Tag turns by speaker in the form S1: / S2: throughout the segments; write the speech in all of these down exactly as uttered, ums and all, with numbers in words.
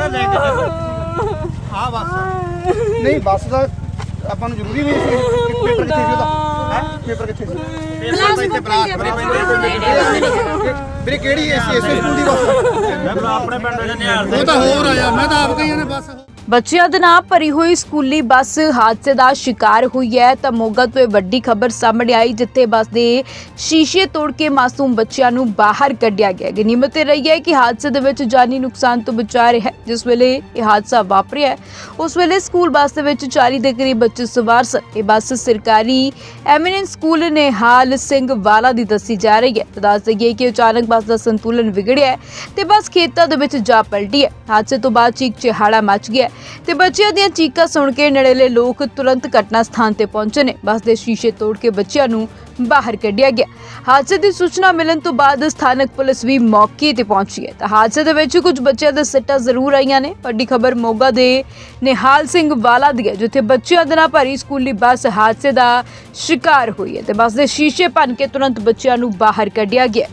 S1: ਲੈ ਕੇ ਚੱਲੋ ਆ ਬੱਸ ਨਹੀਂ ਬੱਸ ਦਾ ਆਪਾਂ ਨੂੰ ਜ਼ਰੂਰੀ ਨਹੀਂ ਸੀ ਪੇਪਰ ਕਿੱਥੇ ਸੀ ਉਹਦਾ ਹੈ ਪੇਪਰ ਕਿੱਥੇ ਸੀ ਪੇਪਰ ਇੱਥੇ ਬਲਾਕ ਵੀਰੇ ਕਿਹੜੀ ਐਸੀ ਐਸੀ ਸਕੂਲ ਦੀ ਬੱਸ ਮੈਂ ਆਪਣੇ ਪਿੰਡ ਦੇ ਨਿਹਾਲ ਉਹ ਤਾਂ ਹੋਰ ਆਇਆ ਮੈਂ ਤਾਂ ਆਪ ਕਹੀਆਂ ਨੇ ਬੱਸ
S2: ਬੱਚਿਆਂ ਦੇ ਨਾਲ ਭਰੀ ਹੋਈ ਸਕੂਲੀ ਬੱਸ ਹਾਦਸੇ ਦਾ ਸ਼ਿਕਾਰ ਹੋਈ ਹੈ ਤਾਂ ਮੋਗਾ ਤੋਂ ਇਹ ਵੱਡੀ ਖਬਰ ਸਾਹਮਣੇ ਆਈ ਜਿੱਥੇ ਬੱਸ ਦੇ ਸ਼ੀਸ਼ੇ ਤੋੜ ਕੇ ਮਾਸੂਮ ਬੱਚਿਆਂ ਨੂੰ ਬਾਹਰ ਕੱਢਿਆ ਗਿਆ। ਗਨੀਮਤ ਇਹ ਰਹੀ ਹੈ ਕਿ ਹਾਦਸੇ ਦੇ ਵਿੱਚ ਜਾਨੀ ਨੁਕਸਾਨ ਤੋਂ ਬਚਾ ਰਿਹਾ ਹੈ। ਜਿਸ ਵੇਲੇ ਇਹ ਹਾਦਸਾ ਵਾਪਰਿਆ ਹੈ ਉਸ ਵੇਲੇ ਸਕੂਲ ਬੱਸ ਦੇ ਵਿੱਚ ਚਾਲੀ ਦੇ ਕਰੀਬ ਬੱਚੇ ਸਵਾਰ ਸਨ। ਇਹ ਬੱਸ ਸਰਕਾਰੀ ਐਮੀਨੈਂਸ ਸਕੂਲ ਨਿਹਾਲ ਸਿੰਘ ਵਾਲਾ ਦੀ ਦੱਸੀ ਜਾ ਰਹੀ ਹੈ। ਦੱਸ ਦਈਏ ਕਿ ਅਚਾਨਕ ਬੱਸ ਦਾ ਸੰਤੁਲਨ ਵਿਗੜਿਆ ਹੈ ਤੇ ਬੱਸ ਖੇਤਾਂ ਦੇ ਵਿੱਚ ਜਾ ਪਲਟੀ ਹੈ। ਹਾਦਸੇ ਤੋਂ ਬਾਅਦ ਚੀਕ ਚਿਹਾੜਾ ਮਚ ਗਿਆ ਤੇ ਬੱਚਿਆਂ ਦੀਆਂ ਚੀਕਾਂ ਸੁਣ ਕੇ ਨੇੜਲੇ ਲੋਕ ਤੁਰੰਤ ਘਟਨਾ ਸਥਾਨ ਤੇ ਪਹੁੰਚੇ ਨੇ। ਬੱਸ ਦੇ ਸ਼ੀਸ਼ੇ ਤੋੜ ਕੇ ਬੱਚਿਆਂ ਨੂੰ ਬਾਹਰ ਕੱਢਿਆ ਗਿਆ। ਹਾਦਸੇ ਦੀ ਸੂਚਨਾ ਮਿਲਣ ਤੋਂ ਬਾਅਦ ਸਥਾਨਕ ਪੁਲਿਸ ਵੀ ਮੌਕੇ ਤੇ ਪਹੁੰਚੀ ਹੈ ਤਾਂ ਹਾਦਸੇ ਦੇ ਵਿੱਚ ਕੁਝ ਬੱਚਿਆਂ ਦੇ ਸੱਟਾਂ ਜ਼ਰੂਰ ਆਈਆਂ ਨੇ। ਵੱਡੀ ਖਬਰ ਮੋਗਾ ਦੇ ਨਿਹਾਲ ਸਿੰਘ ਵਾਲਾ ਦੀ ਹੈ ਜਿੱਥੇ ਬੱਚਿਆਂ ਦੇ ਨਾਲ ਭਰੀ ਸਕੂਲੀ ਬੱਸ ਹਾਦਸੇ ਦਾ ਸ਼ਿਕਾਰ ਹੋਈ ਹੈ ਤੇ ਬੱਸ ਦੇ ਸ਼ੀਸ਼ੇ ਭੰਨ ਕੇ ਤੁਰੰਤ ਬੱਚਿਆਂ ਨੂੰ ਬਾਹਰ ਕੱਢਿਆ ਗਿਆ।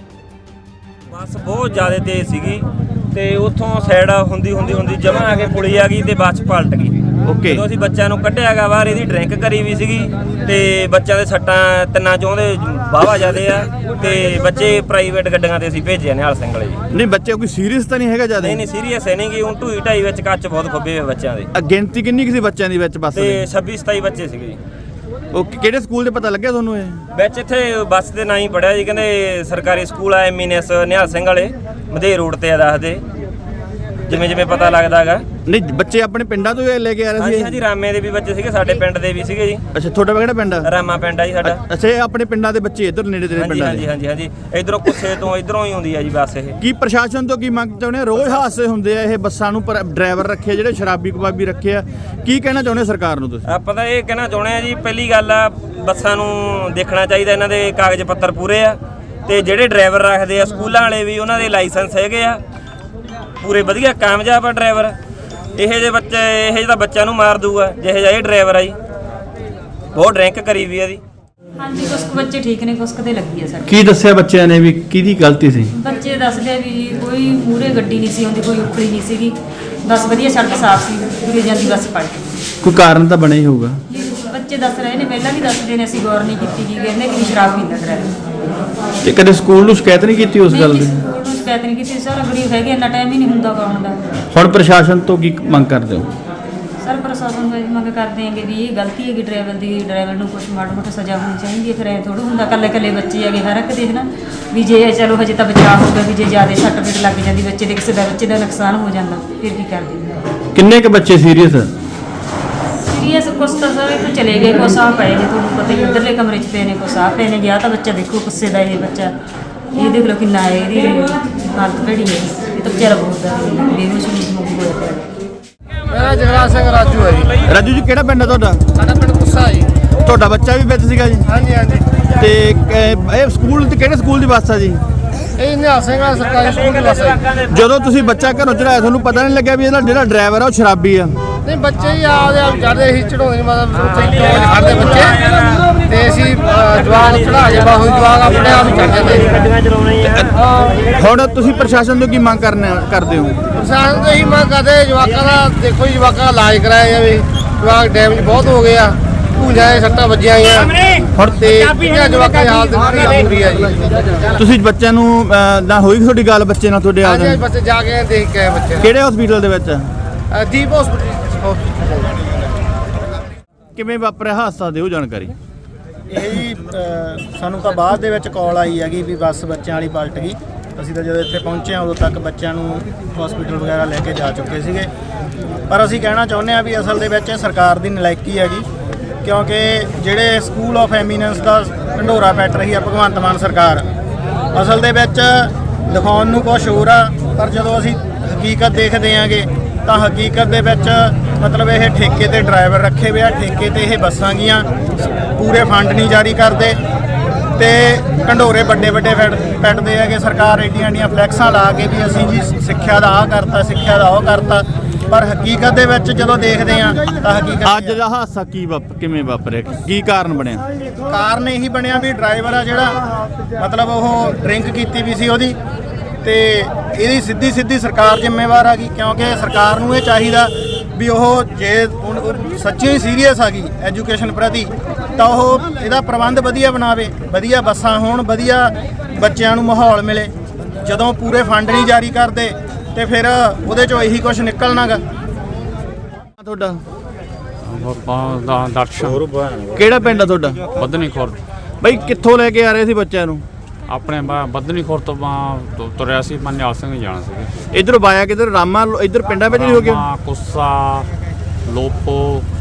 S3: ਬੱਸ ਬਹੁਤ ਜ਼ਿਆਦਾ ਤੇਜ਼ ਸੀਗੀ ਤੇ ਉੱਥੋਂ ਸਾਈਡ ਹੁੰਦੀ ਹੁੰਦੀ ਹੁੰਦੀ ਜਮਾਂ ਆ ਕੇ ਪੁਲੀ ਆ ਗਈ ਤੇ ਬੱਸ ਪਲਟ ਗਈ।
S1: ਓਕੇ
S3: ਜਦੋਂ ਅਸੀਂ ਬੱਚਿਆਂ ਨੂੰ ਕੱਢਿਆ ਗਾ ਬਾਹਰ ਇਹਦੀ ਡਰਿੰਕ ਕਰੀ ਵੀ ਸੀਗੀ ਤੇ ਬੱਚਿਆਂ ਦੇ ਸੱਟਾਂ ਤਿੰਨਾਂ ਚੋਂ ਦੇ ਵਾਹਵਾ ਜ਼ਿਆਦੇ ਆ ਤੇ ਬੱਚੇ ਪ੍ਰਾਈਵੇਟ ਗੱਡੀਆਂ ਤੇ ਅਸੀਂ ਭੇਜੇ ਨਿਹਾਲ ਸਿੰਘ ਵਾਲੇ ਜੀ।
S1: ਨਹੀਂ ਬੱਚੇ ਕੋਈ ਸੀਰੀਅਸ ਤਾਂ ਨਹੀਂ ਹੈਗਾ ਜ਼ਿਆਦਾ
S3: ਨਹੀਂ ਨਹੀਂ ਸੀਰੀਅਸ ਹੈ ਨਹੀਂ ਗੀ ਹੁਣ ਢੂਈ ਢਾਈ ਵਿੱਚ ਕੱਚ ਬਹੁਤ ਖੁੱਬੇ ਹੋਏ ਬੱਚਿਆਂ ਦੇ।
S1: ਗਿਣਤੀ ਕਿੰਨੀ ਕੁ ਸੀ ਬੱਚਿਆਂ ਦੀ ਵਿੱਚ ਬੱਸ
S3: ਤੇ ਛੱਬੀ ਸਤਾਈ ਬੱਚੇ ਸੀਗੇ ਜੀ।
S1: ਉਹ ਕਿਹੜੇ ਸਕੂਲ ਦੇ ਪਤਾ ਲੱਗਿਆ ਤੁਹਾਨੂੰ ਇਹ
S3: ਵਿੱਚ ਇੱਥੇ ਬੱਸ ਦੇ ਨਾਂ ਹੀ ਪੜਿਆ ਜੀ ਕਹਿੰਦੇ ਸਰਕਾਰੀ ਸਕੂਲ ਆ ਐਮੀਨੈਸ ਨਿਹਾਲ ਸਿੰਘ ਵਾਲੇ ਮਧੇ ਰੋਡ ਤੇ ਆ ਦੱਸਦੇ ਜਿਵੇਂ ਜਿਵੇਂ ਪਤਾ ਲੱਗਦਾ ਹੈਗਾ।
S1: ਨਹੀਂ ਬੱਚੇ ਆਪਣੇ ਪਿੰਡਾਂ ਤੋਂ ਲੈ ਕੇ ਆ ਰਹੇ ਸੀ
S3: ਹਾਂਜੀ ਹਾਂਜੀ ਰਾਮੇ ਦੇ ਵੀ ਬੱਚੇ ਸੀਗੇ ਸਾਡੇ ਪਿੰਡ ਦੇ ਵੀ ਸੀਗੇ ਜੀ।
S1: ਅੱਛਾ ਤੁਹਾਡਾ ਕਿਹੜਾ ਪਿੰਡ ਆ
S3: ਰਾਮਾ ਪਿੰਡ ਆ ਜੀ ਸਾਡਾ।
S1: ਅੱਛਾ ਇਹ ਆਪਣੇ ਪਿੰਡਾਂ ਦੇ ਬੱਚੇ ਇੱਧਰ ਨੇੜੇ ਤੇਰੇ
S3: ਹਾਂਜੀ
S1: ਪਿੰਡਾਂ
S3: ਹਾਂਜੀ
S1: ਦੇ
S3: ਹਾਂਜੀ ਹਾਂਜੀ ਇਧਰੋਂ ਕੁੱਸੇ ਤੋਂ ਇਧਰੋਂ ਹੀ ਹੁੰਦੀ ਆ ਜੀ ਬੱਸ ਇਹ।
S1: ਕੀ ਪ੍ਰਸ਼ਾਸਨ ਤੋਂ ਕੀ ਮੰਗ ਚਾਹੁੰਦੇ ਆ? ਰੋਜ਼ ਹਾਦਸੇ ਹੁੰਦੇ ਆ ਇਹ ਬੱਸਾਂ ਨੂੰ ਪਰ ਡਰਾਈਵਰ ਰੱਖੇ ਜਿਹੜੇ ਸ਼ਰਾਬੀ ਕਬਾਬੀ ਰੱਖੇ ਆ ਕੀ ਕਹਿਣਾ ਚਾਹੁੰਦੇ ਸਰਕਾਰ ਨੂੰ ਤੁਸੀਂ?
S3: ਆਪਾਂ ਤਾਂ ਇਹ ਕਹਿਣਾ ਚਾਹੁੰਦੇ ਆ ਜੀ ਪਹਿਲੀ ਗੱਲ ਆ ਬੱਸਾਂ ਨੂੰ ਦੇਖਣਾ ਚਾਹੀਦਾ ਇਹਨਾਂ ਦੇ ਕਾਗਜ਼ ਪੱਤਰ ਪੂਰੇ ਆ ਤੇ ਜਿਹੜੇ ਡਰਾਈਵਰ ਰੱਖਦੇ ਆ ਸਕੂਲਾਂ ਵਾਲੇ ਵੀ ਉਹਨਾਂ ਦੇ ਲਾਇਸੈਂਸ ਹੈਗੇ ਆ ਪੂਰੇ ਵਧੀਆ ਕਾਮਯਾਬ ਆ ਡਰਾਈਵਰ। ਇਹੋ ਜਿਹੇ ਬੱਚੇ ਇਹੋ ਜਿਹੇ ਤਾਂ ਬੱਚਿਆਂ ਨੂੰ ਮਾਰ ਦੂਗਾ ਜਿਹੋ ਜਿਹਾ ਇਹ ਡਰਾਈਵਰ ਆ ਜੀ ਬਹੁਤ ਡਰਿੰਕ ਕਰੀ ਵੀ ਆ ਦੀ।
S4: ਹਾਂਜੀ ਕੁਛ ਕੁ ਬੱਚੇ ਠੀਕ ਨੇ ਕੁਛ ਕਦੇ ਲੱਗੀ ਆ ਸਾਡੇ।
S1: ਕੀ ਦੱਸਿਆ ਬੱਚਿਆਂ ਨੇ ਵੀ ਕਿਹਦੀ ਗਲਤੀ ਸੀ?
S4: ਬੱਚੇ ਦੱਸਦੇ ਵੀ ਜੀ ਕੋਈ ਮੂਹਰੇ ਗੱਡੀ ਨਹੀਂ ਸੀ ਆਉਂਦੀ ਕੋਈ ਉਖੜੀ ਨਹੀਂ ਸੀਗੀ ਬਸ ਵਧੀਆ ਸੜਕ ਸਾਫ਼ ਸੀ ਤੁਰੇ ਜਾਂਦੀ ਬੱਸ ਪਲਟ ਗਈ।
S1: ਕੋਈ ਕਾਰਨ ਤਾਂ ਬਣਿਆ ਹੀ ਹੋਊਗਾ।
S4: ਬੱਚੇ ਦੱਸ ਰਹੇ ਨੇ ਪਹਿਲਾਂ ਵੀ ਦੱਸਦੇ ਨੇ ਅਸੀਂ ਗੌਰ ਨਹੀਂ ਕੀਤੀ ਜੀ ਕਹਿੰਦੇ ਕਿ ਸ਼ਰਾਬ ਪੀਂਦਾ ਡਰਾਈਵਰ।
S1: ਤੇ ਕਦੇ ਸਕੂਲ ਨੂੰ ਸ਼ਿਕਾਇਤ ਨਹੀਂ ਕੀਤੀ ਉਸ ਗੱਲ ਦੀ?
S4: ਸਕੂਲ ਨੂੰ ਸ਼ਿਕਾਇਤ ਨਹੀਂ ਕੀਤੀ ਸਰ ਗਰੀਬ ਹੈਗੇ ਇੰਨਾ ਟਾਈਮ ਹੀ ਨਹੀਂ ਹੁੰਦਾ ਗਾਉਣ ਦਾ।
S1: ਹੁਣ ਪ੍ਰਸ਼ਾਸਨ ਤੋਂ ਕੀ ਮੰਗ ਕਰਦੇ ਹੋ?
S4: ਸਰ ਪ੍ਰਸ਼ਾਸਨ ਤੋਂ ਇਹ ਮੰਗ ਕਰਦੇ ਆਂਗੇ ਵੀ ਇਹ ਗਲਤੀ ਹੈਗੀ ਡਰਾਈਵਰ ਦੀ ਡਰਾਈਵਰ ਨੂੰ ਕੁਛ ਮਾੜਾ ਮੋਟਾ ਸਜ਼ਾ ਹੋਣੀ ਚਾਹੀਦੀ ਹੈ। ਫਿਰ ਐਂ ਥੋੜ੍ਹਾ ਹੁੰਦਾ ਇਕੱਲੇ ਇਕੱਲੇ ਬੱਚੇ ਹੈਗੇ ਹਰ ਇੱਕ ਦੇਖਣਾ ਵੀ ਜੇ ਚਲੋ ਹਜੇ ਤਾਂ ਬਚਾਅ ਹੋਊਗਾ ਵੀ ਜੇ ਜ਼ਿਆਦਾ ਸੱਟ ਫੇਟ ਲੱਗ ਜਾਂਦੀ ਬੱਚੇ ਦੇ ਕਿਸੇ ਦਾ ਬੱਚੇ ਦਾ ਨੁਕਸਾਨ ਹੋ ਜਾਂਦਾ ਫਿਰ ਕੀ ਕਰਦੇ?
S1: ਕਿੰਨੇ ਕੁ ਬੱਚੇ ਸੀਰੀਅਸ?
S4: ਸੀਰੀਅਸ ਕੁਛ ਤਾਂ ਸਰ ਇੱਥੋਂ ਚਲੇ ਗਏ ਕੁਛ ਆ ਪਏ ਨੇ ਤੁਹਾਨੂੰ ਪਤਾ ਹੀ ਉੱਧਰਲੇ ਕਮਰੇ 'ਚ ਪਏ ਨੇ ਕੁਛ ਆ ਪਏ ਨੇ ਗਿਆ ਤਾਂ ਬੱਚਾ ਦੇਖੋ ਗੁੱਸੇ ਦਾ ਇਹ ਬੱਚਾ ਇਹ ਦੇਖ ਲਓ ਕਿੰਨਾ ਹੈ ਇਹਦੀ ਹਾਲਤ ਭੈੜੀ ਹੈ ਇਹ ਤਾਂ ਵਿਚਾਰਾ ਬਹੁਤ ਦਾ ਬੇਹੋਸ਼ ਹੋ ਹੋਇਆ ਪਿਆ।
S5: ਮੇਰਾ ਜਗਰਾਜ ਸਿੰਘ ਰਾਜੂ ਹੈ ਜੀ।
S1: ਰਾਜੂ ਜੀ ਕਿਹੜਾ ਪਿੰਡ ਹੈ ਤੁਹਾਡਾ?
S5: ਸਾਡਾ ਪਿੰਡ ਗੁੱਸਾ ਜੀ।
S1: ਤੁਹਾਡਾ ਬੱਚਾ ਵੀ ਵਿੱਚ ਸੀਗਾ ਜੀ?
S5: ਹਾਂਜੀ ਹਾਂਜੀ।
S1: ਤੇ ਕ- ਇਹ ਸਕੂਲ ਤੇ ਕਿਹੜੇ ਸਕੂਲ ਦੀ ਬੱਸ ਆ ਜੀ?
S5: ਇਹ ਨਿਹਾਲ ਸਿੰਘ ਵਾਲਾ ਸਰਕਾਰੀ ਸਕੂਲ ਦੀ ਬੱਸ ਹੈ ਜੀ।
S1: ਜਦੋਂ ਤੁਸੀਂ ਬੱਚਾ ਘਰੋਂ ਚੜਾਇਆ ਤੁਹਾਨੂੰ ਪਤਾ ਨਹੀਂ ਲੱਗਿਆ ਵੀ ਇਹਦਾ ਜਿਹੜਾ ਡਰਾਈਵਰ ਆ ਉਹ ਸ਼ਰਾਬੀ ਆ?
S5: ਨਹੀਂ ਬੱਚੇ ਹੀ ਆਪਦੇ ਆਪ ਚੜ੍ਹਦੇ ਸੀ ਚੜਾਉਂਦੇ ਨਹੀਂ ਮਤਲਬ ਉੱਥੇ ਚੌਂਕ ਖੜ੍ਹਦੇ ਬੱਚੇ ਤੇ ਅਸੀਂ ਅ, ਜਵਾਕ ਚੜਾ ਜੇ ਬਾਹੂ ਜਵਾਕ ਆਪਣੇ ਆਪ ਹੀ ਚੜ ਜਾਂਦੇ ਸੀ।
S1: ਹੁਣ ਤੁਸੀਂ ਪ੍ਰਸ਼ਾਸਨ ਤੋਂ ਕੀ ਮੰਗ ਕਰਨੇ ਕਰਦੇ ਹੋ?
S5: ਪ੍ਰਸ਼ਾਸਨ ਤੋਂ ਇਹੀ ਮੰਗ ਕਰਦੇ ਜਵਾਕਾਂ ਦਾ ਦੇਖੋ ਜੀ ਜਵਾਕਾਂ ਦਾ ਇਲਾਜ ਕਰਾਇਆ ਜਾਵੇ। ਜਵਾਕ ਡੈਮੇਜ ਬਹੁਤ ਹੋ ਗਏ ਆ ਭੂੰਜਾਂ ਦੇ ਸੱਟਾਂ ਵੱਜੀਆਂ ਆਈਆਂ ਹੁਣ ਤੇ ਇਹਨਾਂ ਜਵਾਕਾਂ ਦੀ ਹਾਲਤ ਬੁਰੀ ਬੁਰੀ ਆ ਜੀ।
S1: ਤੁਸੀਂ ਬੱਚਿਆਂ ਨੂੰ ਅ, ਨਾ ਹੋਈ ਤੁਹਾਡੀ ਗੱਲ ਬੱਚੇ ਨਾਲ ਤੁਹਾਡੇ
S5: ਹਾਂਜੀ
S1: ਆਪ
S5: ਬੱਚੇ ਜਾ ਕੇ ਦੇਖ ਕੇ ਆਏ ਬੱਚੇ
S1: ਕਿਹੜੇ ਹਸਪੀਟਲ ਦੇ ਵਿੱਚ?
S5: ਅ, ਦੀਪ ਹਸਪੀਟਲ।
S1: ਕਿਵੇਂ ਵਾਪਰਿਆ ਹਾਦਸਾ ਦਿਓ ਜਾਣਕਾਰੀ।
S6: ਇਹ ਜੀ ਅ, ਸਾਨੂੰ ਤਾਂ ਬਾਅਦ ਦੇ ਵਿੱਚ ਕਾਲ ਆਈ ਹੈਗੀ ਵੀ ਬੱਸ ਬੱਚਿਆਂ ਵਾਲੀ ਪਲਟ ਗਈ। ਅਸੀਂ ਤਾਂ ਜਦੋਂ ਇੱਥੇ ਪਹੁੰਚੇ ਹਾਂ ਉਦੋਂ ਤੱਕ ਬੱਚਿਆਂ ਨੂੰ ਹਸਪੀਟਲ ਵਗੈਰਾ ਲੈ ਕੇ ਜਾ ਚੁੱਕੇ ਸੀਗੇ। ਪਰ ਅਸੀਂ ਕਹਿਣਾ ਚਾਹੁੰਦੇ ਹਾਂ ਵੀ ਅਸਲ ਦੇ ਵਿੱਚ ਸਰਕਾਰ ਦੀ ਨਲਾਇਕੀ ਹੈਗੀ ਕਿਉਂਕਿ ਜਿਹੜੇ ਸਕੂਲ ਆਫ ਐਮੀਨੈਂਸ ਦਾ ਢੰਡੋਰਾ ਪੈਟ ਰਹੀ ਆ ਭਗਵੰਤ ਮਾਨ ਸਰਕਾਰ ਅਸਲ ਦੇ ਵਿੱਚ ਦਿਖਾਉਣ ਨੂੰ ਕੁਛ ਹੋਰ ਆ ਪਰ ਜਦੋਂ ਅਸੀਂ ਹਕੀਕਤ ਦੇਖਦੇ ਆਂਗੇ ਤਾਂ ਹਕੀਕਤ ਦੇ ਵਿੱਚ ਮਤਲਬ ਇਹ ਠੇਕੇ ਤੇ ਡਰਾਈਵਰ ਰੱਖੇ ਹੋਏ ਆ ਠੇਕੇ ਤੇ ਇਹ ਬੱਸਾਂ ਗੀਆਂ ਪੂਰੇ ਫੰਡ ਨਹੀਂ ਜਾਰੀ ਕਰਦੇ ਤੇ ਢੰਡੋਰੇ ਵੱਡੇ ਵੱਡੇ ਪੈਟਦੇ ਹੈਗੇ। ਸਰਕਾਰ ਏਡੀਆਂ ਏਡੀਆਂ ਫਲੈਕਸਾਂ ਲਾ ਕੇ ਵੀ ਅਸੀਂ ਜੀ ਸਿੱਖਿਆ ਦਾ ਆਹ ਕਰਤਾ ਸਿੱਖਿਆ ਦਾ ਉਹ ਕਰਤਾ ਪਰ ਹਕੀਕਤ ਦੇ ਵਿੱਚ ਜਦੋਂ ਦੇਖਦੇ ਆ ਤਾਂ ਹਕੀਕਤ
S1: ਅੱਜ ਦਾ ਹਾਦਸਾ ਕੀ ਵਾਪ ਕਿਵੇਂ ਵਾਪਰਿਆ ਕੀ ਕਾਰਨ ਬਣਿਆ?
S6: ਕਾਰਨ ਇਹੀ ਬਣਿਆ ਵੀ ਡਰਾਈਵਰ ਆ ਜਿਹੜਾ ਮਤਲਬ ਉਹ ਡਰਿੰਕ ਕੀਤੀ ਵੀ ਸੀ ਉਹਦੀ ਤੇ ਇਹਦੀ ਸਿੱਧੀ ਸਿੱਧੀ ਸਰਕਾਰ ਜ਼ਿੰਮੇਵਾਰ ਆ ਗਈ, ਕਿਉਂਕਿ ਸਰਕਾਰ ਨੂੰ ਇਹ ਚਾਹੀਦਾ ਵੀ ਉਹ ਜੇ ਹੁਣ ਉਹ ਸੱਚੀ ਸੀਰੀਅਸ ਆ ਗਈ ਐਜੂਕੇਸ਼ਨ ਪ੍ਰਤੀ ਤਾਂ ਉਹ ਇਹਦਾ ਪ੍ਰਬੰਧ ਵਧੀਆ ਬਣਾਵੇ, ਵਧੀਆ ਬੱਸਾਂ ਹੋਣ, ਵਧੀਆ ਬੱਚਿਆਂ ਨੂੰ ਮਾਹੌਲ ਮਿਲੇ। ਜਦੋਂ ਪੂਰੇ ਫੰਡ ਨਹੀਂ ਜਾਰੀ ਕਰਦੇ ਤੇ ਫਿਰ ਉਹਦੇ ਚੋਂ ਇਹੀ ਕੁਝ ਨਿਕਲਣਾਗਾ।
S1: ਤੁਹਾਡਾ
S7: ਦਾ ਦਰਸ਼ਨ
S1: ਕਿਹੜਾ ਪਿੰਡ ਆ ਤੁਹਾਡਾ?
S7: ਬੱਧਨੀ ਖੁਰਦ।
S1: ਬਈ ਕਿੱਥੋਂ ਲੈ ਕੇ ਆ ਰਹੇ ਸੀ ਬੱਚਿਆਂ ਨੂੰ?
S7: ਆਪਣੇ ਬ- ਬੱਧਨੀ ਖੁਰਦ ਤੋਂ ਆਪਾਂ ਤੁ- ਤੁਰਿਆ ਸੀ, ਮੈਂ ਨਿਹਾਲ ਸਿੰਘ ਜਾਣਾ ਸੀਗਾ।
S1: ਇਧਰੋਂ ਬਾਇਆ ਕਿਧਰ ਰਾਮਾ ਇਧਰ ਪਿੰਡਾਂ ਵਿੱਚ ਨਹੀਂ ਹੋ ਗਿਆ?
S7: ਰਾਮਾ, ਕੁੱਸਾ, ਲੋਪੋ।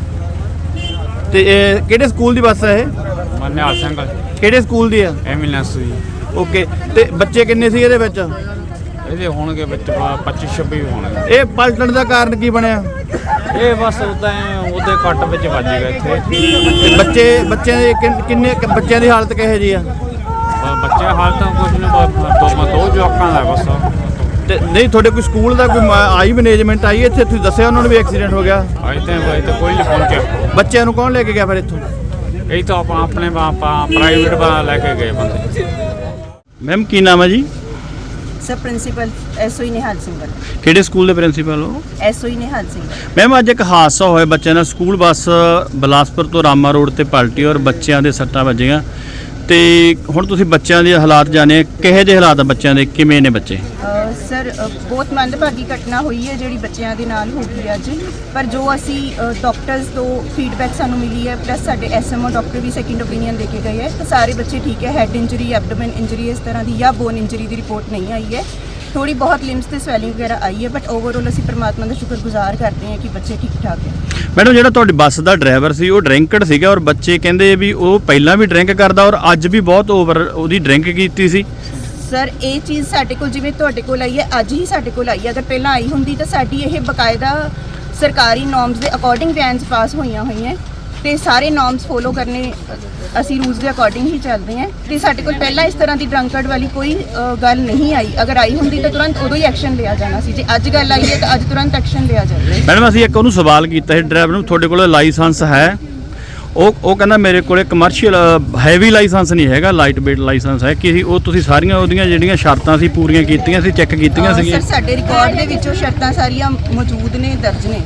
S1: ਤੇ ਇਹ ਕਿਹੜੇ ਸਕੂਲ ਦੀ ਬੱਸ ਹੈ ਇਹ?
S7: ਮੈਂ ਨਿਹਾਲ ਸਿੰਘ
S1: ਕਿਹੜੇ ਸਕੂਲ ਦੀ ਆ?
S7: ਐਮਬੂਲੈਂਸ ਜੀ।
S1: ਓਕੇ, ਤੇ ਬੱਚੇ ਕਿੰਨੇ ਸੀ ਇਹਦੇ ਵਿੱਚ?
S7: ਇਹਦੇ ਹੋਣਗੇ ਵਿੱਚ ਪੱਚੀ ਛੱਬੀ ਹੋਣਗੇ।
S1: ਇਹ ਪਲਟਣ ਦਾ ਕਾਰਨ ਕੀ ਬਣਿਆ?
S7: ਇਹ ਬਸ ਉਦਾਂ ਉਹਦੇ ਕੱਟ ਵਿੱਚ ਵੱਜ ਗਿਆ ਇੱਥੇ।
S1: ਤੇ ਬੱਚੇ ਬੱਚਿਆਂ ਦੇ ਕਿੰਨ- ਕਿੰਨੇ ਕੁ ਬੱਚਿਆਂ ਦੀ ਹਾਲਤ ਕਿਹੋ ਜੀ ਆ?
S7: ਬ- ਬੱਚੇ ਹਾਲ ਤਾਂ ਕੁਝ ਨਹੀਂ, ਦੋ ਦੋ ਜਵਾਕਾਂ ਦਾ ਬਸ।
S1: ਤੇ ਨਹੀਂ ਤੁਹਾਡੇ ਕੋਈ ਸਕੂਲ ਦਾ ਕੋਈ ਮ- ਆਈ ਮੈਨੇਜਮੈਂਟ ਆਈ ਇੱਥੇ? ਤੁਸੀਂ ਦੱਸਿਆ ਉਹਨਾਂ ਨੂੰ ਵੀ ਐਕਸੀਡੈਂਟ ਹੋ ਗਿਆ?
S7: ਅਜੇ ਤਾਂ ਅਜੇ ਤਾਂ ਕੋਈ ਨਹੀਂ ਪਹੁੰਚਿਆ।
S1: ਬੱਚਿਆਂ ਨੂੰ ਕੌਣ ਲੈ ਕੇ ਗਿਆ ਫਿਰ ਇੱਥੋਂ?
S7: ਇਹ ਤਾਂ ਆਪਾਂ ਆਪਣੇ ਆਪਾਂ ਪ੍ਰਾਈਵੇਟ ਬਾ ਲੈ ਕੇ ਗਏ ਬੰਦੇ।
S1: ਮੈਮ ਕੀ ਨਾਮ ਹੈ ਜੀ?
S8: Sir principal SOE Nihal Singh ਵੱਲ।
S1: ਕਿਹੜੇ ਸਕੂਲ ਦੇ ਪ੍ਰਿੰਸੀਪਲ ਹੋ?
S8: ਐਸਓਈ ਨਿਹਾਲ ਸਿੰਘ।
S1: ਮੈਮ ਅੱਜ ਇੱਕ ਹਾਦਸਾ ਹੋਇਆ ਬੱਚਿਆਂ ਨਾਲ, ਸਕੂਲ ਬੱਸ ਬਿਲਾਸਪੁਰ ਤੋਂ ਰਾਮਾ ਰੋਡ ਤੇ ਪਲਟੀ ਔਰ ਬੱਚਿਆਂ ਦੇ ਸੱਟਾਂ ਵੱਜੀਆਂ। ਤੇ ਹੁਣ ਤੁਸੀਂ ਬੱਚਿਆਂ ਦੇ ਹਾਲਾਤ ਜਾਣੇ, ਕਿਹੋ ਜਿਹੇ ਹਾਲਾਤ ਆ ਬੱਚਿਆਂ ਦੇ, ਕਿਵੇਂ ਨੇ ਬੱਚੇ?
S8: ਅ, ਸਰ ਅ, ਬਹੁਤ ਮੰਦਭਾਗੀ ਘਟਨਾ ਹੋਈ ਹੈ ਜਿਹੜੀ ਬੱਚਿਆਂ ਦੇ ਨਾਲ ਹੋ ਗਈ ਅੱਜ। ਪਰ ਜੋ ਅਸੀਂ ਅ, ਡਾਕਟਰਸ ਤੋਂ ਫੀਡਬੈਕ ਸਾਨੂੰ ਮਿਲੀ ਹੈ, ਪਲੱਸ ਸਾਡੇ ਐਸਐਮਓ ਡਾਕਟਰ ਵੀ ਸੈਕਿੰਡ ਓਪੀਨੀਅਨ ਦੇ ਕੇ ਗਏ ਹੈ ਤਾਂ ਸਾਰੇ ਬੱਚੇ ਠੀਕ ਹੈ। ਹੈਡ ਇੰਜਰੀ, ਐਬਡੋਮਨ ਇੰਜਰੀ ਇਸ ਤਰ੍ਹਾਂ ਦੀ ਜਾਂ ਬੋਨ ਇੰਜਰੀ ਦੀ ਰਿਪੋਰਟ ਨਹੀਂ ਆਈ ਹੈ। ਥੋੜੀ ਬਹੁਤ ਲਿੰਬਸ ਤੇ ਸਵੈਲਿੰਗ ਵਗੈਰਾ ਆਈ ਹੈ, ਬਟ ਓਵਰਆਲ ਅਸੀਂ ਪਰਮਾਤਮਾ ਦਾ ਸ਼ੁਕਰਗੁਜ਼ਾਰ ਕਰਦੇ ਹਾਂ ਕਿ ਬੱਚੇ ਠੀਕ ਠਾਕ ਹੈ।
S1: ਮੈਡਮ ਜਿਹੜਾ ਤੁਹਾਡੀ ਬੱਸ ਦਾ ਡਰਾਈਵਰ ਸੀ ਉਹ ਡਰਿੰਕਡ ਸੀਗਾ ਔਰ ਬੱਚੇ ਕਹਿੰਦੇ ਵੀ ਉਹ ਪਹਿਲਾਂ ਵੀ ਡਰਿੰਕ ਕਰਦਾ ਔਰ ਅੱਜ ਵੀ ਬਹੁਤ ਓਵਰ ਉਹਦੀ ਡਰਿੰਕ ਕੀਤੀ ਸੀ।
S8: ਸਰ ਇਹ ਚੀਜ਼ ਸਾਡੇ ਕੋਲ ਜਿਵੇਂ ਤੁਹਾਡੇ ਕੋਲ ਆਈ ਹੈ, ਅੱਜ ਹੀ ਸਾਡੇ ਕੋਲ ਆਈ ਹੈ। ਅਗਰ ਪਹਿਲਾਂ ਆਈ ਹੁੰਦੀ ਤਾਂ ਸਾਡੀ ਇਹ ਬਕਾਇਦਾ ਸਰਕਾਰੀ ਨੋਰਮਸ ਦੇ ਅਕੋਰਡਿੰਗ ਵੈਨਸ ਪਾਸ ਹੋਈਆਂ ਹੋਈਆਂ ਤੇ ਸਾਰੇ ਨੋਰਮਸ ਫੋਲੋ ਕਰਨੇ, ਅਸੀਂ ਰੂਲਸ ਦੇ ਅਕੋਰਡਿੰਗ ਹੀ ਚੱਲਦੇ ਹਾਂ ਤੇ ਸਾਡੇ ਕੋਲ ਪਹਿਲਾਂ ਇਸ ਤਰ੍ਹਾਂ ਦੀ ਡਰੰਕਰਡ ਵਾਲੀ ਕੋਈ ਅ, ਗੱਲ ਨਹੀਂ ਆਈ। ਅਗਰ ਆਈ ਹੁੰਦੀ ਤਾਂ ਤੁਰੰਤ ਉਦੋਂ ਹੀ ਐਕਸ਼ਨ ਲਿਆ ਜਾਣਾ ਸੀ। ਜੇ ਅੱਜ ਗੱਲ ਆਈ ਹੈ ਤਾਂ ਅੱਜ ਤੁਰੰਤ ਐਕਸ਼ਨ ਲਿਆ ਜਾਵੇ।
S1: ਮੈਡਮ ਅਸੀਂ ਇੱਕ ਉਹਨੂੰ ਸਵਾਲ ਕੀਤਾ ਸੀ ਡਰਾਈਵਰ ਨੂੰ, ਤੁਹਾਡੇ ਕੋਲ ਲਾਇਸੈਂਸ ਹੈ? ਉਹ ਉਹ ਕਹਿੰਦਾ ਮੇਰੇ ਕੋਲੇ ਕਮਰਸ਼ੀਅਲ ਹੈਵੀ ਲਾਇਸੈਂਸ ਨਹੀਂ ਹੈਗਾ, ਲਾਈਟ ਵੇਟ ਲਾਇਸੈਂਸ ਹੈ। ਕਿ ਉਹ ਤੁਸੀਂ ਸਾਰੀਆਂ ਉਹਦੀਆਂ ਜਿਹੜੀਆਂ ਸ਼ਰਤਾਂ ਸੀ ਪੂਰੀਆਂ ਕੀਤੀਆਂ ਸੀ, ਚੈੱਕ ਕੀਤੀਆਂ
S8: ਅ,
S1: ਸੀਗੀਆਂ?
S8: ਸਰ ਸਾਡੇ ਰਿਕਾਰਡ ਦੇ ਵਿੱਚ ਉਹ ਸ਼ਰਤਾਂ ਸਾਰੀਆਂ ਮੌਜੂਦ ਨੇ, ਦਰਜ ਨੇ।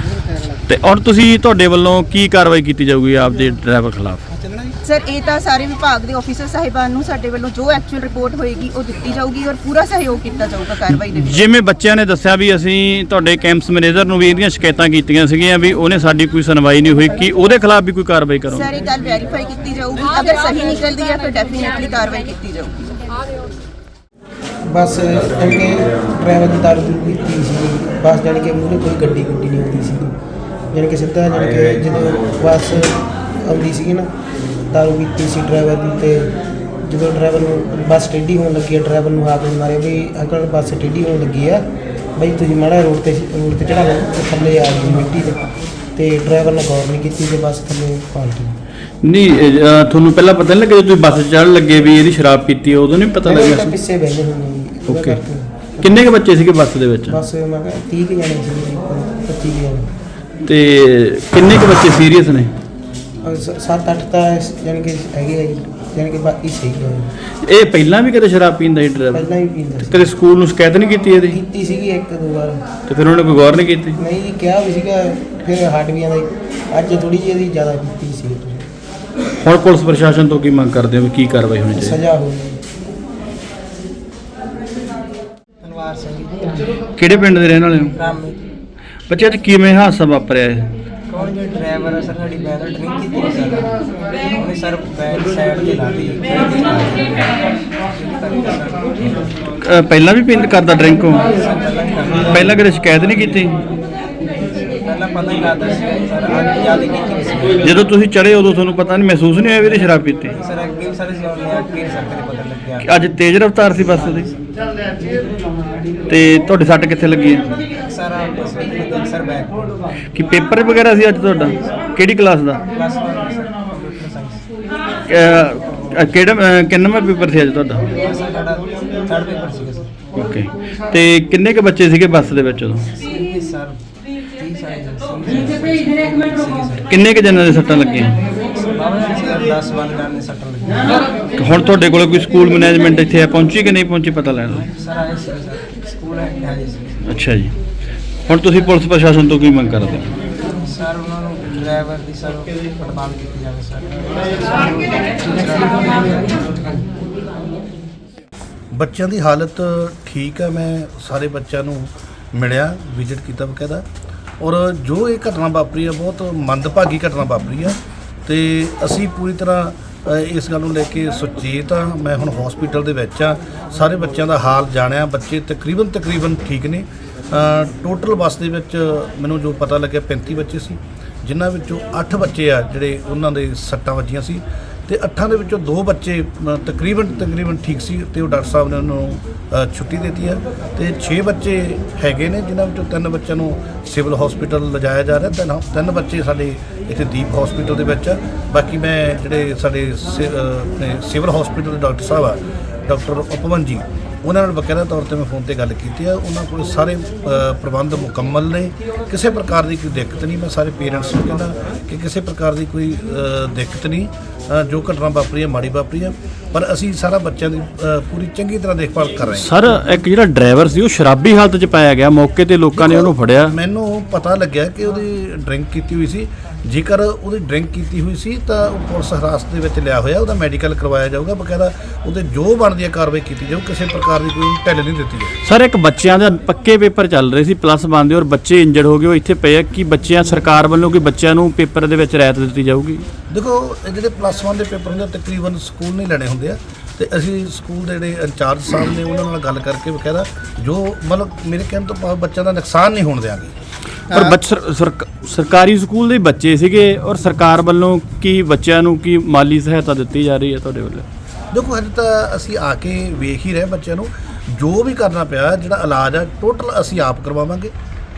S1: ਤੇ ਹੁਣ ਤੁਸੀਂ ਤੁਹਾਡੇ ਵੱਲੋਂ ਕੀ ਕਾਰਵਾਈ ਕੀਤੀ ਜਾਊਗੀ ਆਪਦੇ ਡਰਾਈਵਰ ਖਿਲਾਫ?
S8: ਸਰ ਇਹ ਤਾਂ ਸਾਰੇ ਵਿਭਾਗ ਦੇ ਆਫੀਸਰ ਸਾਹਿਬਾਨ ਨੂੰ ਸਾਡੇ ਵੱਲੋਂ ਜੋ ਐਕਚੁਅਲ ਰਿਪੋਰਟ ਹੋਏਗੀ ਉਹ ਦਿੱਤੀ ਜਾਊਗੀ ਔਰ ਪੂਰਾ ਸਹਿਯੋਗ ਕੀਤਾ ਜਾਊਗਾ ਕਾਰਵਾਈ ਦੇ ਵਿੱਚ।
S1: ਜਿਵੇਂ ਬੱਚਿਆਂ ਨੇ ਦੱਸਿਆ ਵੀ ਅਸੀਂ ਤੁਹਾਡੇ ਕੈਂਪਸ ਮੈਨੇਜਰ ਨੂੰ ਵੀ ਇਹਦੀਆਂ ਸ਼ਿਕਾਇਤਾਂ ਕੀਤੀਆਂ ਸੀਗੀਆਂ ਵੀ ਉਹਨੇ ਸਾਡੀ ਕੋਈ ਸੁਣਵਾਈ ਨਹੀਂ ਹੋਈ, ਕਿ ਉਹਦੇ ਖਿਲਾਫ ਵੀ ਕੋਈ ਕਾਰਵਾਈ ਕਰੋਗੇ?
S8: ਸਰ ਇਹ ਗੱਲ ਵੈਰੀਫਾਈ ਕੀਤੀ ਜਾਊਗੀ, ਅਗਰ ਸਹੀ ਨਿਕਲਦੀ ਹੈ ਤਾਂ ਡੈਫੀਨਿਟਲੀ ਕਾਰਵਾਈ ਕੀਤੀ ਜਾਊਗੀ।
S9: ਬਸ ਜਾਣੀ ਕਿ ਡਰਾਈਵਰ ਦੀ ਦਾਰੂ ਦੂਰੂ ਪੀਤੀ ਸੀ, ਬਸ ਜਾਣੀ ਕਿ ਮੂਹਰੇ ਕੋਈ ਗੱਡੀ ਗੁੱਡੀ ਨਹੀਂ ਆਉਂਦੀ ਸੀ, ਜਾਣੀ ਕਿ ਸਿੱਧਾ ਜਾਣੀ ਕਿ ਜਦੋਂ ਬੱਸ ਆਉਂਦੀ ਸੀਗੀ ਨਾ ਦਾਰੂ ਪੀਤੀ ਸੀ ਡਰਾਈਵਰ ਦੀ। ਤੇ ਜਦੋਂ ਡਰਾਈਵਰ ਨੂੰ ਬੱਸ ਟੇਢੀ ਹੋਣ ਲੱਗੀ ਹੈ, ਡਰਾਈਵਰ ਨੂੰ ਹਾਕ ਮਾਰਿਆ ਵੀ ਅੰਕਲ ਬੱਸ ਟੇਢੀ ਹੋਣ ਲੱਗੀ ਆ ਬਈ ਤੁਸੀਂ ਮਾੜਾ ਰੋਡ ਤੇ ਰੋਡ ਤੇ ਚੜਾ ਲਓ ਤੇ ਥੱਲੇ ਆ ਗਈ ਮਿੱਟੀ ਤੇ ਤੇ ਡਰਾਈਵਰ ਨੇ ਗੌਰ ਨਹੀਂ ਕੀਤੀ ਤੇ ਬੱਸ ਥੱਲੇ ਪਲਟੀ।
S1: ਨਹੀਂ ਇਹ, ਅਹ, ਤੁਹਾਨੂੰ ਪਹਿਲਾਂ ਪਤਾ ਨਹੀਂ ਲੱਗਿਆ ਜਦੋਂ ਤੁਸੀਂ ਬੱਸ ਚੜ੍ਹਨ ਲੱਗੇ ਵੀ ਇਹਦੀ ਸ਼ਰਾਬ ਪੀਤੀ ਹੈ, ਉਦੋਂ ਨਹੀਂ ਪਤਾ
S9: ਤਾਂ
S1: ਲੱਗਿਆ ਸੀ?
S9: ਪਿੱਛੇ ਬਹਿੰਦੇ ਹੁੰਦੇ ਜੀ ਉਹਦਾ
S1: ਓਕੇ।
S9: ਕਰਕੇ।
S1: ਕਿੰਨੇ ਕੁ ਬੱਚੇ ਸੀਗੇ ਬੱਸ ਦੇ ਵਿੱਚ?
S9: ਬਸ ਮੈਂ ਕਿਹਾ ਤੀਹ ਕੁ ਜਾਣੇ ਸੀ, ਪੱਚੀ ਕੁ ਜਾਣੇ।
S1: ਤੇ ਕਿੰਨੇ ਕੁ ਬੱਚੇ ਸੀਰੀਅਸ ਨੇ?
S9: ਅਹ ਸ- ਸੱਤ ਅੱਠ ਤਾਂ ਇਸ- ਜਾਣੀ ਕਿ ਹੈਗੇ ਆ ਜੀ, ਜਾਣੀ ਕਿ ਬਾਕੀ ਸਹੀ ਹੈ।
S1: ਇਹ ਪਹਿਲਾਂ ਵੀ ਕਦੇ ਸ਼ਰਾਬ ਪੀਂਦਾ ਸੀ ਡਰਾਈਵਰ?
S9: ਪਹਿਲਾਂ ਵੀ ਪੀਂਦਾ ਸੀ,
S1: ਕਦੇ ਸਕੂਲ ਨੂੰ ਸ਼ਿਕਾਇਤ ਨਹੀਂ ਕੀਤੀ ਇਹਦੀ?
S9: ਕੀਤੀ ਸੀਗੀ ਇੱਕ ਦੋ ਵਾਰ।
S1: ਤੇ ਫਿਰ ਉਹਨੇ ਕੋਈ ਗੌਰ ਨਹੀਂ ਕੀਤੀ?
S9: ਨਹੀਂ ਜੀ ਕਿਹਾ ਵੀ ਸੀਗਾ, ਫਿਰ ਹਟ ਵੀ ਆਂਦਾ। ਅੱਜ ਥੋੜੀ ਜਿਹੀ ਇਹਦੀ ਜ਼ਿਆਦਾ ਕੀਤੀ ਸੀ,
S1: ਹੁਣ ਪੁਲਿਸ ਪ੍ਰਸ਼ਾਸਨ ਤੋਂ ਕੀ ਮੰਗ ਕਰਦੇ ਹੋ ਵੀ ਕੀ ਕਾਰਵਾਈ ਹੋਣੀ ਚਾਹੀਦੀ?
S9: ਸਜ਼ਾ ਹੋਈ। ਧੰਨਵਾਦ ਸਿੰਘ
S1: ਕਿਹੜੇ ਪਿੰਡ ਦੇ ਰਹਿਣ ਵਾਲੇ ਹੋ?
S9: ਰਾਮੀ
S1: ਬੱਚੇ ਅੱਜ ਕਿਵੇਂ ਹਾਦਸਾ ਵਾਪਰਿਆ ਹੈ?
S9: ਕੌਣ ਜੋ ਡਰਾਈਵਰ ਹੈ ਸਰ, ਸਾਡੀ ਬੈਨ ਡਰਿੰਕ ਕੀਤੀ ਨਹੀਂ ਸਰ, ਉਹਨੇ ਸਰ ਬੈਨ ਸਾਈਡ ਤੇ ਲਾ ਦਿੱਤੀ।
S1: ਅਹ ਪਹਿਲਾਂ ਵੀ ਪਿੰਡ ਕਰਦਾ ਡਰਿੰਕ ਹੋ? ਪਹਿਲਾਂ ਕਦੇ ਸ਼ਿਕਾਇਤ ਨਹੀਂ ਕੀਤੀ?
S9: ਪਹਿਲਾਂ ਪਤਾ ਹੀ ਲੱਗਦਾ ਸੀ ਸਰ, ਅੱਜ ਯਾਦ ਕੀਤੀ ਸੀ
S1: ਜਦੋਂ ਤੁਸੀਂ ਚੜੇ ਉਦੋਂ ਤੁਹਾਨੂੰ ਪਤਾ ਨਹੀਂ ਮਹਿਸੂਸ ਨਹੀਂ ਹੋਇਆ ਵੀ ਇਹਨੇ ਸ਼ਰਾਬ ਪੀਤੀ?
S9: ਸਰ। ਅੱਗੇ ਵੀ ਸਾਰੇ ਜਿਉਣੇ ਅੱਗੇ ਸਰ ਕਦੇ ਪਤਾ ਲੱਗਿਆ।
S1: ਅੱਜ ਤੇਜ਼ ਰਫ਼ਤਾਰ ਸੀ ਬੱਸ ਦੀ? ਤੇ ਤੁਹਾਡੇ ਸੱਟ ਕਿੱਥੇ ਲੱਗੀ ਹੈ?
S9: ਸਰ ਬਸ ਵਿੱਚ ਸਰ ਬੈਕ
S1: ਕਿ ਪੇਪਰ ਵਗੈਰਾ ਸੀ ਅੱਜ ਤੁਹਾਡਾ? ਕਿਹੜੀ ਕਲਾਸ ਦਾ?
S9: Plus one sir computer science.
S1: ਅਹ, ਕਿਹੜਾ ਅਹ, ਕਿੰਨਵਾਂ ਪੇਪਰ ਸੀ ਅੱਜ ਤੁਹਾਡਾ?
S9: ਸਰ ਸਾਡਾ ਥਰਡ ਪੇਪਰ ਸੀਗਾ ਸਰ।
S1: ਓਕੇ। ਤੇ ਕਿੰਨੇ ਕੁ ਬੱਚੇ ਸੀਗੇ ਬੱਸ ਦੇ ਵਿੱਚ ਉਦੋਂ?
S9: ਸੀ ਸਰ ਤੀਹ ਸਾਲ ਸੀ ਸਰ।
S1: ਕਿੰਨੇ ਕੁ ਜਣਾਂ ਦੇ ਸੱਟਾਂ ਲੱਗੀਆਂ?
S9: ਦਸ ਬੰਦ ਕਰਨੇ ਸੱਟ ਲੱਗੀ
S1: ਹੁਣ ਤੁਹਾਡੇ ਕੋਲ ਕੋਈ ਸਕੂਲ ਮੈਨੇਜਮੈਂਟ ਇੱਥੇ ਪਹੁੰਚੀ ਕਿ ਨਹੀਂ ਪਹੁੰਚੀ ਪਤਾ ਲੈਣ ਲਈ?
S9: ਸਰ ਆਏ ਸੀ ਸਰ ਸਕੂਲ ਹੈ ਜੀ
S1: ਅੱਛਾ ਜੀ, ਹੁਣ ਤੁਸੀਂ ਪੁਲਿਸ ਪ੍ਰਸ਼ਾਸਨ ਤੋਂ ਕੀ ਮੰਗ ਕਰਦੇ ਹੋ?
S9: ਸਰ ਉਹਨਾਂ ਨੂੰ ਡਰਾਈਵਰ ਦੀ ਸਰ ਪੜਤਾਲ ਕੀਤੀ ਜਾਵੇ ਸਰ।
S5: ਬੱਚਿਆਂ ਦੀ ਹਾਲਤ ਠੀਕ ਹੈ। ਮੈਂ ਸਾਰੇ ਬੱਚਿਆਂ ਨੂੰ ਮਿਲਿਆ, ਵਿਜ਼ਿਟ ਕੀਤਾ ਬਕਾਇਦਾ, ਔਰ ਜੋ ਇਹ ਘਟਨਾ ਵਾਪਰੀ ਹੈ ਬਹੁਤ ਮੰਦਭਾਗੀ ਘਟਨਾ ਵਾਪਰੀ ਹੈ ਤੇ ਅਸੀਂ ਪੂਰੀ ਤਰ੍ਹਾਂ ਅ, ਇਸ ਗੱਲ ਨੂੰ ਲੈ ਕੇ ਸੁਚੇਤ ਹਾਂ। ਮੈਂ ਹੁਣ ਹਸਪੀਟਲ ਦੇ ਵਿੱਚ ਆ, ਸਾਰੇ ਬੱਚਿਆਂ ਦਾ ਹਾਲ ਜਾਣਿਆ। ਬੱਚੇ ਤਕਰੀਬਨ ਤਕਰੀਬਨ ਠੀਕ ਨੇ। ਟੋਟਲ ਬੱਸ ਦੇ ਵਿੱਚ ਮੈਨੂੰ ਜੋ ਪਤਾ ਲੱਗਿਆ ਪੈਂਤੀ ਬੱਚੇ ਸੀ, ਜਿਨ੍ਹਾਂ ਵਿੱਚੋਂ ਅੱਠ ਬੱਚੇ ਆ ਜਿਹੜੇ ਉਹਨਾਂ ਦੇ ਸੱਟਾਂ ਵੱਜੀਆਂ ਸੀ ਤੇ ਅੱਠਾਂ ਦੇ ਵਿੱਚੋਂ ਦੋ ਬੱਚੇ ਅ, ਤਕਰੀਬਨ ਤਕਰੀਬਨ ਠੀਕ ਸੀ ਤੇ ਉਹ ਡਾਕਟਰ ਸਾਹਿਬ ਨੇ ਉਹਨਾਂ ਨੂੰ ਅ, ਛੁੱਟੀ ਦੇ ਦਿੱਤੀ ਹੈ ਤੇ ਛੇ ਬੱਚੇ ਹੈਗੇ ਨੇ, ਜਿਨ੍ਹਾਂ ਵਿੱਚੋਂ ਤਿੰਨ ਬੱਚਿਆਂ ਨੂੰ ਸਿਵਲ ਹਸਪੀਟਲ ਲਿਜਾਇਆ ਜਾ ਰਿਹਾ। ਤਿੰਨ ਤਿੰਨ ਬੱਚੇ ਸਾਡੇ ਇੱਥੇ ਦੀਪ ਹਸਪੀਟਲ ਦੇ ਵਿੱਚ ਆ। ਬਾਕੀ ਮੈਂ ਜਿਹੜੇ ਸਾਡੇ ਸਿ- ਅ, ਆਪਣੇ ਸਿਵਲ ਹਸਪੀਟਲ ਦੇ ਡਾਕਟਰ ਸਾਹਿਬ ਆ, ਡਾਕਟਰ ਉਪਵਨ ਜੀ, ਉਹਨਾਂ ਨਾਲ ਬਕਾਇਦਾ ਤੌਰ ਤੇ ਮੈਂ ਫੋਨ ਤੇ ਗੱਲ ਕੀਤੀ ਆ। ਉਹਨਾਂ ਕੋਲ ਸਾਰੇ ਅ, ਪ੍ਰਬੰਧ ਮੁਕੰਮਲ ਨੇ, ਕਿਸੇ ਪ੍ਰਕਾਰ ਦੀ ਕੋਈ ਦਿੱਕਤ ਨਹੀਂ। ਮੈਂ ਸਾਰੇ ਪੇਰੈਂਟਸ ਨੂੰ ਕਹਿੰਦਾ ਕਿ ਕਿਸੇ ਪ੍ਰਕਾਰ ਦੀ ਕੋਈ ਅ, ਦਿੱਕਤ ਨਹੀਂ। ਅ, ਜੋ ਘਟਨਾ ਵਾਪਰੀ ਹੈ ਮਾੜੀ ਵਾਪਰੀ ਹੈ, ਪਰ ਅਸੀਂ ਸਾਰਾ ਬੱਚਿਆਂ ਦੀ ਅ, ਪੂਰੀ ਚੰਗੀ ਤਰ੍ਹਾਂ ਦੇਖਭਾਲ ਕਰ ਰਹੇ ਹਾਂ।
S1: ਸਰ, ਇੱਕ ਜਿਹੜਾ ਡਰਾਈਵਰ ਸੀ ਉਹ ਸ਼ਰਾਬੀ ਹਾਲਤ 'ਚ ਪਾਇਆ ਗਿਆ, ਮੌਕੇ ਤੇ ਲੋਕਾਂ ਨੇ ਉਹਨੂੰ ਫੜਿਆ।
S5: ਮੈਨੂੰ ਪਤਾ ਲੱਗਿਆ ਕਿ ਉਹਦੀ ਡਰਿੰਕ ਕੀਤੀ ਹੋਈ ਸੀ। ਜੇਕਰ ਉਹਦੀ ਡਰਿੰਕ ਕੀਤੀ ਹੋਈ ਸੀ ਤਾਂ ਉਹ ਪੁਲਿਸ ਹਿਰਾਸਤ ਦੇ ਵਿੱਚ ਲਿਆ ਹੋਇਆ, ਉਹਦਾ ਮੈਡੀਕਲ ਕਰਵਾਇਆ ਜਾਊਗਾ, ਬਕਾਇਦਾ ਉਹਦੇ ਜੋ ਬਣਦੀ ਹੈ ਕਾਰਵਾਈ ਕੀਤੀ ਜਾਊ। ਕਿਸੇ ਪ੍ਰਕਾਰ ਦੀ ਕੋਈ ਢਿੱਲ ਨਹੀਂ ਦਿੱਤੀ ਜਾਊ।
S1: ਸਰ, ਇੱਕ ਬੱਚਿਆਂ ਦੇ ਪੱਕੇ ਪੇਪਰ ਚੱਲ ਰਹੇ ਸੀ ਪਲੱਸ ਵਨ ਦੇ, ਔਰ ਬੱਚੇ ਇੰਜਰਡ ਹੋ ਗਏ, ਉਹ ਇੱਥੇ ਪਏ ਆ। ਕਿ ਬੱਚਿਆਂ ਸਰਕਾਰ ਵੱਲੋਂ ਕਿ ਬੱਚਿਆਂ ਨੂੰ ਪੇਪਰ ਦੇ ਵਿੱਚ ਰਿਆਇਤ ਦਿੱਤੀ ਜਾਊਗੀ?
S5: ਦੇਖੋ, ਇਹ ਜਿਹੜੇ ਪਲੱਸ ਵਨ ਦੇ ਪੇਪਰ ਹੁੰਦੇ ਆ, ਤਕਰੀਬਨ ਸਕੂਲ ਨਹੀਂ ਲੈਣੇ ਹੁੰਦੇ ਆ ਤੇ ਅਸੀਂ ਸਕੂਲ ਦੇ ਜਿਹੜੇ ਇੰਚਾਰਜ ਸਾਹਿਬ ਨੇ ਉਹਨਾਂ ਨਾਲ ਗੱਲ ਕਰਕੇ ਬਕਾਇਦਾ ਜੋ ਮਤਲਬ ਮੇਰੇ ਕਹਿਣ ਤੋਂ ਭਾਵ ਬੱਚਿਆਂ ਦਾ ਨੁਕਸਾਨ ਨਹੀਂ ਹੋਣ ਦਿਆਂਗੇ।
S1: ਪਰ ਬੱਚ ਸਰ- ਸਰਕ- ਸਰਕਾਰੀ ਸਕੂਲ ਦੇ ਬੱਚੇ ਸੀਗੇ, ਔਰ ਸਰਕਾਰ ਵੱਲੋਂ ਕੀ ਬੱਚਿਆਂ ਨੂੰ ਕੀ ਮਾਲੀ ਸਹਾਇਤਾ ਦਿੱਤੀ ਜਾ ਰਹੀ ਹੈ ਤੁਹਾਡੇ ਵੱਲੋਂ?
S5: ਦੇਖੋ, ਹਜੇ ਤਾਂ ਅਸੀਂ ਆ ਕੇ ਵੇਖ ਹੀ ਰਹੇ ਬੱਚਿਆਂ ਨੂੰ। ਜੋ ਵੀ ਕਰਨਾ ਪਿਆ, ਜਿਹੜਾ ਇਲਾਜ ਆ ਟੋਟਲ ਅਸੀਂ ਆਪ ਕਰਵਾਵਾਂਗੇ।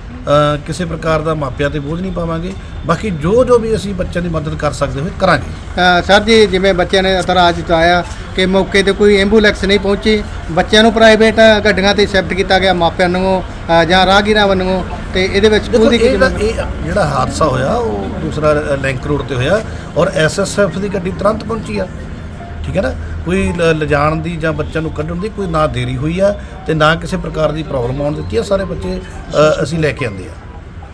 S5: ਅ, ਕਿਸੇ ਪ੍ਰਕਾਰ ਦਾ ਮਾਪਿਆਂ ਤੇ ਬੋਝ ਨਹੀਂ ਪਾਵਾਂਗੇ। ਬਾਕੀ ਜੋ ਜੋ ਵੀ ਅਸੀਂ ਬੱਚਿਆਂ ਦੀ ਮਦਦ ਕਰ ਸਕਦੇ ਹੋਏ ਕਰਾਂਗੇ।
S6: ਸਰ ਜੀ, ਜਿਵੇਂ ਬੱਚਿਆਂ ਨੇ ਇਤਰਾਜ਼ ਜਤਾਇਆ ਕਿ ਮੌਕੇ ਤੇ ਕੋਈ ਐਂਬੂਲੈਂਸ ਨਹੀਂ ਪਹੁੰਚੀ, ਬੱਚਿਆਂ ਨੂੰ ਪ੍ਰਾਈਵੇਟ ਗੱਡੀਆਂ ਤੇ ਸ਼ਿਫਟ ਕੀਤਾ ਗਿਆ, ਮਾਪਿਆਂ ਨੂੰ ਅ, ਜਾਂ ਰਾਹਗੀਰਾਂ ਵੱਲੋਂ, ਤੇ ਇਹਦੇ ਵਿੱਚ ਸਕੂਲ
S5: ਦੇਖੋ,
S6: ਦੀ ਕੀ
S5: ਇਹ
S6: ਜ਼ਿੰਮੇਵਾਰੀ?
S5: ਇਹ ਜਿਹੜਾ ਹਾਦਸਾ ਹੋਇਆ ਉਹ ਦੂਸਰਾ ਲਿੰਕ ਰੋਡ ਤੇ ਹੋਇਆ ਔਰ ਐਸ ਐਸ ਐਫ ਦੀ ਗੱਡੀ ਤੁਰੰਤ ਪਹੁੰਚੀ ਆ। ਠੀਕ ਹੈ ਨਾ, ਕੋਈ ਲ- ਲਿਜਾਣ ਦੀ ਜਾਂ ਬੱਚਿਆਂ ਨੂੰ ਕੱਢਣ ਦੀ ਕੋਈ ਨਾ ਦੇਰੀ ਹੋਈ ਆ ਤੇ ਨਾ ਕਿਸੇ ਪ੍ਰਕਾਰ ਦੀ ਪ੍ਰੋਬਲਮ ਆਉਣ ਦਿੱਤੀ ਆ। ਸਾਰੇ ਬੱਚੇ ਅ, ਅਸੀਂ ਲੈ ਕੇ ਆਂਦੇ ਆ।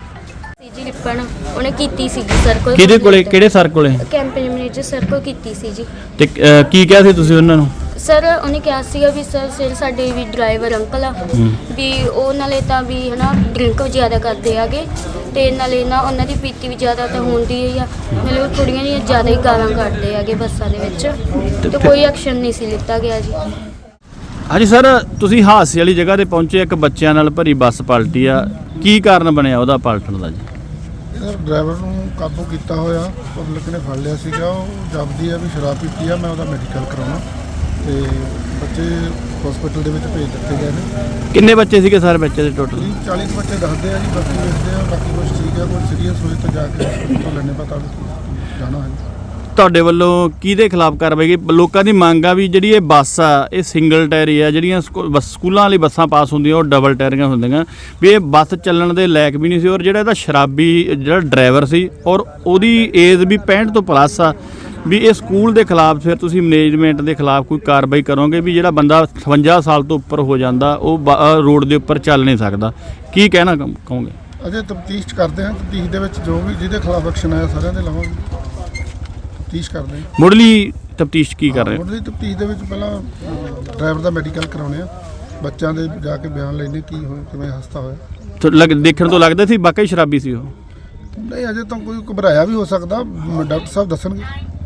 S10: ਜੀ ਲਿਪਣ ਉਹਨੇ ਕੀਤੀ ਸੀ ਸਰ ਕੋਲ।
S1: ਕਿਹਦੇ ਕੋਲੇ, ਕਿਹੜੇ ਸਰ ਕੋਲੇ?
S10: ਕੈਂਪੇਨ ਮੈਨੇਜਰ ਸਰ ਕੋਲ ਕੀਤੀ ਸੀ ਜੀ।
S1: ਤੇ ਅ, ਕੀ ਕਿਹਾ ਸੀ ਤੁਸੀਂ ਉਹਨਾਂ ਨੂੰ?
S10: ਸਰ ਉਹਨੇ ਕਿਹਾ ਸੀਗਾ ਵੀ ਸਰ ਸਿਰ ਸਾਡੇ ਵੀ ਡਰਾਈਵਰ ਅੰਕਲ ਆ ਵੀ ਉਹ ਨਾਲੇ ਤਾਂ ਵੀ ਹਨਾ ਡਰਿੰਕ ਜ਼ਿਆਦਾ ਕਰਦੇ ਆਗੇ ਤੇ ਨਾਲੇ ਨਾ ਉਹਨਾਂ ਦੀ ਪੀਤੀ ਵੀ ਜ਼ਿਆਦਾ ਤਾਂ ਹੁੰਦੀ ਹੀ ਆ, ਨਾਲੇ ਉਹ ਕੁੜੀਆਂ ਦੀਆਂ ਜ਼ਿਆਦਾ ਹੀ ਗਾਲਾਂ ਕੱਢਦੇ ਆਗੇ ਬੱਸਾਂ ਦੇ ਵਿੱਚ ਤੇ ਕੋਈ ਐਕਸ਼ਨ ਨਹੀਂ ਸੀ ਲਿੱਤਾ ਗਿਆ ਜੀ।
S1: ਹਾਂਜੀ ਸਰ, ਤੁਸੀਂ ਹਾਦਸੇ ਵਾਲੀ ਜਗ੍ਹਾ ਤੇ ਪਹੁੰਚੇ, ਇੱਕ ਬੱਚਿਆਂ ਨਾਲ ਭਰੀ ਬੱਸ ਪਲਟੀ ਆ, ਕੀ ਕਾਰਨ ਬਣਿਆ ਉਹਦਾ ਪਲਟਣ ਦਾ ਜੀ?
S11: ਸਰ, ਡਰਾਈਵਰ ਨੂੰ ਕਾਬੂ ਕੀਤਾ ਹੋਇਆ, ਪਬਲਿਕ ਨੇ ਫੜ ਲਿਆ ਸੀਗਾ। ਉਹ ਜਪਦੀ ਆ ਵੀ ਸ਼ਰਾਬ ਪੀਤੀ ਆ, ਮੈਂ ਉਹਦਾ ਮੈਡੀਕਲ ਕਰਾਉਣਾ ਤੇ ਬੱਚੇ ਹਸਪੀਟਲ ਦੇ ਵਿੱਚ ਭੇਜ ਦਿੱਤੇ ਗਏ ਨੇ।
S1: ਕਿੰਨੇ ਬੱਚੇ ਸੀਗੇ ਸਰ ਬੱਚੇ ਦੇ ਟੋਟਲ?
S11: ਤੀਹ ਚਾਲੀ ਬੱਚੇ ਦੱਸਦੇ ਆ ਜੀ, ਬਾਕੀ ਵੇਖਦੇ ਆ, ਬਾਕੀ ਕੁਝ ਠੀਕ ਆ, ਕੋਈ ਸੀਰੀਅਸ ਹੋਏ ਤਾਂ ਜਾ ਕੇ ਹਸਪੀਟਲ ਤੋਂ ਲੈਣੇ ਪਤਾ ਜਾਣਾ ਹੈ।
S1: ਤੁਹਾਡੇ ਵੱਲੋਂ ਕਿਹਦੇ ਖਿਲਾਫ ਕਾਰਵਾਈ? ਲੋਕਾਂ ਦੀ ਮੰਗ ਆ ਵੀ ਜਿਹੜੀ ਇਹ ਬੱਸ ਆ ਇਹ ਸਿੰਗਲ ਟਾਇਰੀ ਆ, ਜਿਹੜੀਆਂ ਸਕੂ- ਬੱਸ ਸਕੂਲਾਂ ਵਾਲੀ ਬੱਸਾਂ ਪਾਸ ਹੁੰਦੀਆਂ ਉਹ ਡਬਲ ਟਾਇਰੀਆਂ ਹੁੰਦੀਆਂ, ਵੀ ਇਹ ਬੱਸ ਚੱਲਣ ਦੇ ਲਾਇਕ ਵੀ ਨਹੀਂ ਸੀ। ਔਰ ਜਿਹੜਾ ਇਹਦਾ ਸ਼ਰਾਬੀ ਜਿਹੜਾ ਡਰਾਈਵਰ ਸੀ ਔਰ ਉਹਦੀ ਏਜ ਵੀ ਪੈਂਹਠ ਤੋਂ ਪਲੱਸ ਆ, ਵੀ ਇਹ ਸਕੂਲ ਦੇ ਖਿਲਾਫ ਫਿਰ ਤੁਸੀਂ ਮੈਨੇਜਮੈਂਟ ਦੇ ਖਿਲਾਫ ਕੋਈ ਕਾਰਵਾਈ ਕਰੋਗੇ? ਵੀ ਜਿਹੜਾ ਬੰਦਾ ਅਠਵੰਜਾ ਸਾਲ ਤੋਂ ਉੱਪਰ ਹੋ ਜਾਂਦਾ ਉਹ ਬ- ਅ, ਰੋਡ ਦੇ ਉੱਪਰ ਚੱਲ ਨਹੀਂ ਸਕਦਾ, ਕੀ ਕਹਿਣਾ ਕਹੋ- ਕਹੋਗੇ?
S11: ਅਜੇ ਤਫਤੀਸ਼ ਕਰਦੇ ਹਾਂ, ਤਫਤੀਸ਼ ਦੇ ਵਿੱਚ ਜੋ ਵੀ ਜਿਹਦੇ ਖਿਲਾਫ ਐਕਸ਼ਨ ਆਇਆ ਸਾਰਿਆਂ ਦੇ ਲਵਾਂਗੇ, ਤਫਤੀਸ਼ ਕਰਦੇ ਹਾਂ।
S1: ਮੁੱਢਲੀ ਤਫਤੀਸ਼ ਕੀ ਕਰ ਰਹੇ ਹੋ?
S11: ਮੁੱਢਲੀ ਤਫਤੀਸ਼ ਦੇ ਵਿੱਚ ਪਹਿਲਾਂ ਡਰਾਈਵਰ ਦਾ ਮੈਡੀਕਲ ਕਰਾਉਣੇ ਆ, ਬੱਚਿਆਂ ਦੇ ਜਾ ਕੇ ਬਿਆਨ ਲੈਣੇ ਕੀ ਹੋਇਆ, ਕਿਵੇਂ ਹਾਦਸਾ ਹੋਇਆ।
S1: ਤੋ ਲੱਗ ਦੇਖਣ ਤੋਂ ਲੱਗਦਾ ਸੀ ਵਾਕਈ ਸ਼ਰਾਬੀ ਸੀ ਉਹ?
S11: ਨਹੀਂ, ਅਜੇ ਤਾਂ ਕੋਈ ਘਬਰਾਇਆ ਵੀ ਹੋ ਸਕਦਾ, ਡਾਕਟਰ ਸਾਹਿਬ ਦੱਸਣਗੇ।